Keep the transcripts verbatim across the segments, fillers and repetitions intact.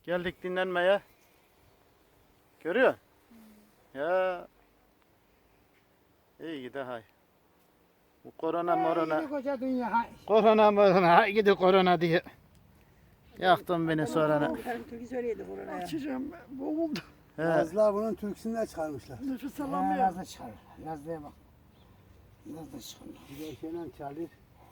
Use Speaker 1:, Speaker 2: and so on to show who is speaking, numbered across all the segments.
Speaker 1: Geldik dinlenmeye. Görüyor musun? Ya. İyi gidi hay. Bu korona morona.
Speaker 2: Hey, koca dünya. hay.
Speaker 1: Korona morona. Hay gidi korona diye. Yaktın beni sonra.
Speaker 3: Türkü söyleydi koronaya.
Speaker 2: Açacağım ben, boğuldum.
Speaker 1: He.
Speaker 4: Yazlar bunun türküsünden çıkarmışlar.
Speaker 2: Nefes
Speaker 3: Ha,
Speaker 2: alamıyorum.
Speaker 3: Nazlı çıkar. Nazlı'ya bak. Nazlı çıkar.
Speaker 4: Bir de şeyle çalıyor.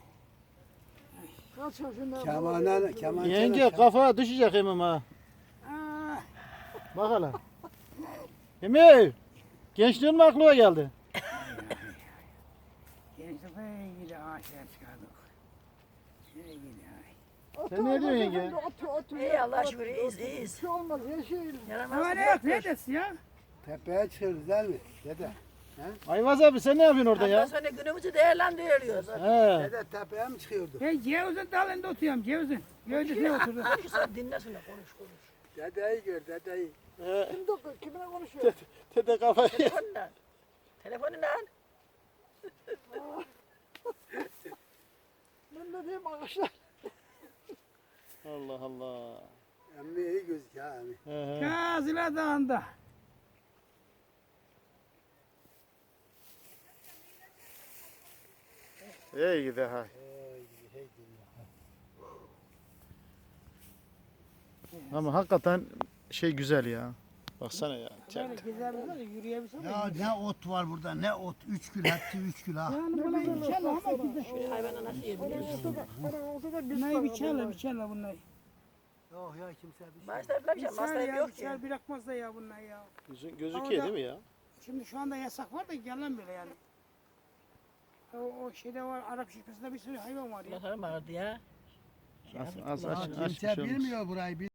Speaker 2: Kaç yaşında?
Speaker 4: Kemandan, keman
Speaker 1: Yenge
Speaker 4: çalar.
Speaker 1: kafa düşecek emim ha.
Speaker 3: Aa,
Speaker 1: Bak hele. Emir. Gençliğin mi aklına geldi?
Speaker 3: gençlik iyi gidi ağaçlara çıkardık. Şöyle gidi ay.
Speaker 1: Sen ne diyorsun yenge?
Speaker 2: Otur otur.
Speaker 3: İyi Allah şükür iyiyiz
Speaker 2: Bir
Speaker 3: iyiyiz.
Speaker 2: şey olmaz her şey.
Speaker 3: Ama ne yok neredesin ya?
Speaker 4: Tepeye çıkıyoruz değil mi? Dede.
Speaker 1: Ayvaz abi sen ne yapıyorsun orada
Speaker 3: Ondan
Speaker 1: ya?
Speaker 3: sonra günümüzü değerlendiriyoruz.
Speaker 1: He.
Speaker 4: Dede tepeye mi çıkıyorduk?
Speaker 3: Ben cevizin dalında oturuyorum cevizin. Gövdesine oturdum.
Speaker 5: Sen dinlesin de konuş konuş.
Speaker 4: Dedeyi gör dedeyi.
Speaker 1: He.
Speaker 2: Kim doktor? Kiminle konuşuyor?
Speaker 1: Dede kafayı.
Speaker 5: Telefonla. Telefonla.
Speaker 2: Ben de diyeyim ağaçlar.
Speaker 1: Allah Allah.
Speaker 4: Emmi iyi gözüküyor ha emmi.
Speaker 1: He he.
Speaker 3: Kazıla Dağı'nda.
Speaker 1: İyi gidi hay. Ama hakikaten şey güzel ya. Baksana ya.
Speaker 3: Böyle güzel bir yürüyebilsem.
Speaker 4: Ya ne ot var burada ne ot. Üç kül hepsi üç kül ha.
Speaker 3: Yani buna biçerler ama güzel.
Speaker 5: Hayvana nasıl yiyebiliyorsun?
Speaker 2: Bana olsa da biz
Speaker 3: Bunları biçerler biçerler bunları.
Speaker 4: Yok ya kimse bir şey.
Speaker 5: Maaşlar bir şey.
Speaker 3: Biçer
Speaker 5: Maaşlar
Speaker 3: ya
Speaker 5: yok ki.
Speaker 3: biçer bırakmaz da ya bunlar ya.
Speaker 1: Gözü, gözüküyor değil mi ya?
Speaker 3: Şimdi şu anda yasak var da gelen böyle yani. O, o şeyde var Arap şirketinde bir sürü hayvan var ya.
Speaker 5: Bakalım vardı ya.
Speaker 1: Az, az aç, aç bir
Speaker 4: Kimse
Speaker 1: şey olmaz.
Speaker 4: bilmiyor burayı.